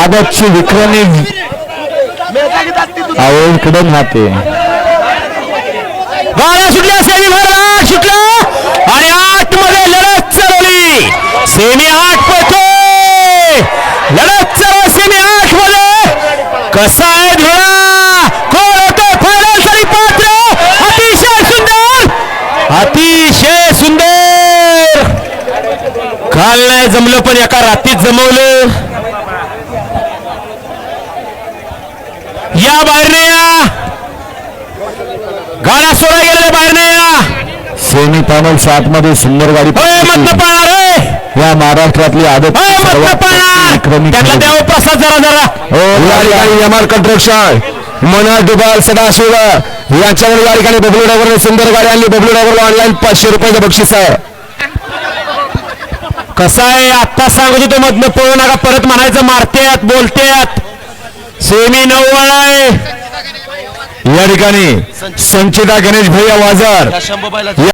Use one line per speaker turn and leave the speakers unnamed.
आदतची विक्रमी इकडे राहते. गाड्या सुटल्या सेमी भरला सुटला आणि 8 मध्ये लढत चालवली. सेमी 8 पळतोय लढत चालव सेमी 8 मध्ये. कसा आहे धुळा कोण होतो फायनल साठी पात्र. अतिशय सुंदर अतिशय सुंदर. काल नाही जमलं पण एका रात्रीत जमवलं. या बाहेर नाही या गाड्या सोडा गेलेल्या बाहेर नाही या. सेमी फायनल 7 मध्ये सुंदर गाडी मधनं पाळणार आहे. या महाराष्ट्रातली आदत त्यातला देव प्रसाद जरा जरा एमआर कंस्ट्रक्शन मनोहर डुबाल सदाशिव यांच्यावर या ठिकाणी बबलू ड्रायव्हरने सुंदर गाडी आणली. बबलू ड्रायव्हरला ऑनलाईन 500 रुपयाचं बक्षीस आहे. कसं आहे आत्ता सांगत होतो मधनं पळू नका परत म्हणायचं मारतेत बोलतेत. सेमी 9 आहे या ठिकाणी. संचिता गणेश भैया वाजार